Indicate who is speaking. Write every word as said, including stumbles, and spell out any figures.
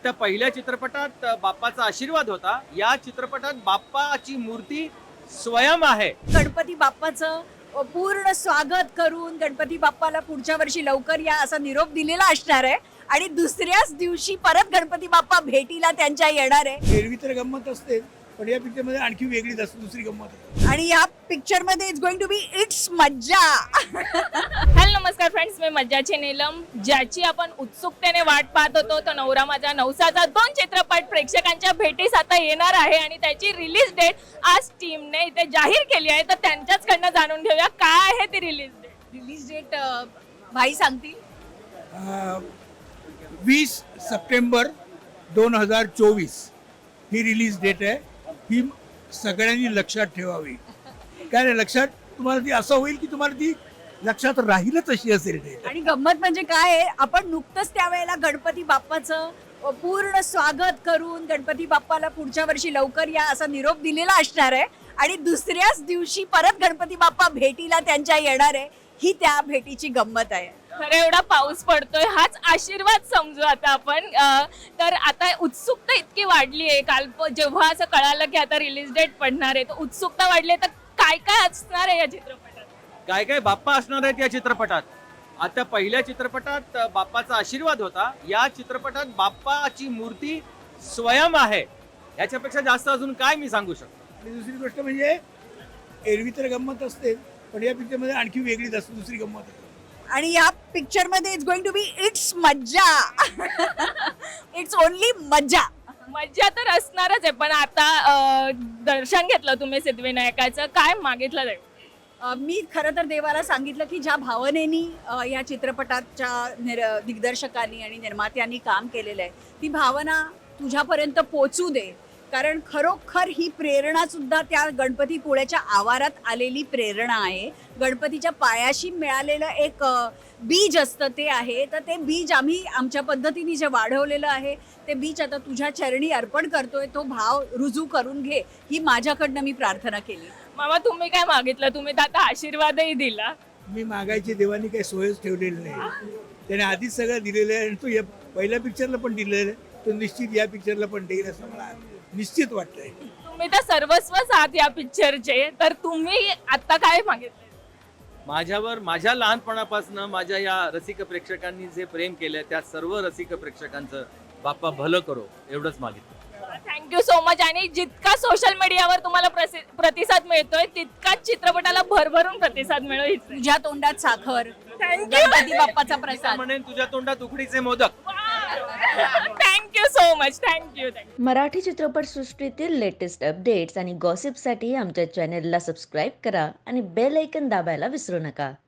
Speaker 1: आता पहिल्या चित्रपटात बाप्पाचा आशीर्वाद होता. या चित्रपटात बाप्पाची मूर्ती स्वयं आहे.
Speaker 2: गणपती बाप्पाचं पूर्ण स्वागत करून गणपती बाप्पाला पुढच्या वर्षी लवकर या असा निरोप दिलेला असणार आहे आणि दुसऱ्याच दिवशी परत गणपती बाप्पा भेटीला त्यांच्या येणार आहे.
Speaker 3: एरवी तर गंमत असते, पण या पिक्चर मध्ये आणखी वेगळीच असते, दुसरी गंमत आहे.
Speaker 2: आणि या पिक्चर मध्ये it's going to be it's मज्जा.
Speaker 4: हॅलो नमस्कार फ्रेंड्स, मी मज्जाची नीलम. ज्याची आपण उत्सुकतेने वाट पाहत होतो तो नवरा माझा नवसाचा दोन चित्रपट प्रेक्षकांच्या भेटीस आता येणार आहे आणि त्याची रिलीज डेट आज टीमने इथे जाहीर केली आहे. तर त्यांच्याचकडनं जाणून घेऊया काय आहे ती रिलीज डेट.
Speaker 2: रिलीज डेट भाई सांगतील.
Speaker 3: अं, वीस सप्टेंबर दोन हजार चोवीस ही रिलीज डेट आहे. ही सगळ्यांनी लक्षात ठेवावी. काय नाही, लक्षात तुम्हाला ती असं होईल की तुम्हाला ती लक्षात राहीलच अशी असेल डेट.
Speaker 2: आणि गंमत म्हणजे काय आहे, आपण नुकतंच त्यावेळेला गणपती बाप्पाचं पूर्ण स्वागत करून गणपती बाप्पाला पुढच्या वर्षी लवकर या असा निरोप दिलेला असणार आहे आणि दुसऱ्याच दिवशी परत गणपती बाप्पा भेटीला त्यांच्या येणार आहे. ही त्या भेटीची गंमत आहे.
Speaker 4: खरं एवढा पाऊस पडतोय, हाच आशीर्वाद समजू आता आपण. अं, तर आता उत्सुकता इतकी वाढली आहे. काल प- जेव्हा असं कळालं की आता रिलीज डेट पडणार आहे, तर उत्सुकता वाढली आहे. तर काय काय असणार आहे या चित्रपटात?
Speaker 1: काय काय बाप्पा असणार आहेत या चित्रपटात. आता पहिल्या चित्रपटात बाप्पाचा आशीर्वाद होता. या चित्रपटात बाप्पाची मूर्ती स्वयं आहे. याच्यापेक्षा जास्त अजून काय मी सांगू शकतो.
Speaker 3: आणि दुसरी गोष्ट म्हणजे एरवी तर गंमत असते, पण या पिक्चर मध्ये आणखी वेगळीच असते, दुसरी गंमत आहे.
Speaker 2: आणि या पिक्चर मध्ये it's going to be it's मज्जा. इट्स ओनली मज्जा.
Speaker 4: मज्जा तर असणारच आहे. पण आता अं, दर्शन घेतलं तुम्ही सिद्धिविनायकाचं, काय मागितलं जाईल?
Speaker 2: अ, मी खरं तर देवाला सांगितलं की ज्या भावनेनी अ, या चित्रपटाच्या निर दिग्दर्शकांनी आणि निर्मात्यांनी काम केलेलं आहे, ती भावना तुझ्यापर्यंत पोचू दे. कारण खरोखर ही प्रेरणा सुद्धा त्या गणपतीपुळ्याच्या आवारात आलेली प्रेरणा आहे. गणपतीच्या पायाशी मिळालेलं एक अ, बीज असतं ते आहे. तर ते बीज आम्ही आमच्या पद्धतीने जे वाढवलेलं आहे, ते बीज आता तुझ्या चरणी अर्पण करतोय. तो भाव रुजू करून घे, ही माझ्याकडनं मी प्रार्थना केली.
Speaker 4: मामा तुम्ही काय मागितलं? तुम्ही तर आता आशीर्वादही दिला.
Speaker 3: मी मागायची देवानी काही सोयच ठेवलेली नाही. त्याने आधीच सगळं दिलेलं आहे आणि तो या पहिल्या पिक्चरला पण दिलेलं आहे. तो निश्चित या पिक्चरला पण देईल असं मला निश्चित वाटतंय.
Speaker 4: तुम्ही तर सर्वस्वच आहात या पिक्चरचे, तर तुम्ही आता काय मागितलं?
Speaker 1: माझ्यावर माझ्या लहानपणापासून माझ्या या रसिक प्रेक्षकांनी जे प्रेम केलं त्या सर्व रसिक प्रेक्षकांचं बाप्पा भलं करो एवढंच मागितलं.
Speaker 4: Thank you so much. आणि जितका सोशल मीडियावर तुम्हाला प्रसि- प्रतिसाद मिळतोय, तितकाच चित्रपटाला भरभरून प्रतिसाद मिळेल.
Speaker 2: तुझ्या तोंडात साखर,
Speaker 4: थँक्यू
Speaker 2: गणपती बाप्पाचा
Speaker 1: मी
Speaker 2: प्रसाद.
Speaker 1: म्हणेन तुझ्या तोंडात उकडीचे modak.
Speaker 4: Thank you so much. Thank you thank you
Speaker 5: Marathi चित्रपटसृष्टीतील लेटेस्ट अपडेट्स आणि गॉसिपसाठी आमच्या चॅनेलला सबस्क्राईब करा आणि बेल ऐकन दाबायला विसरू नका.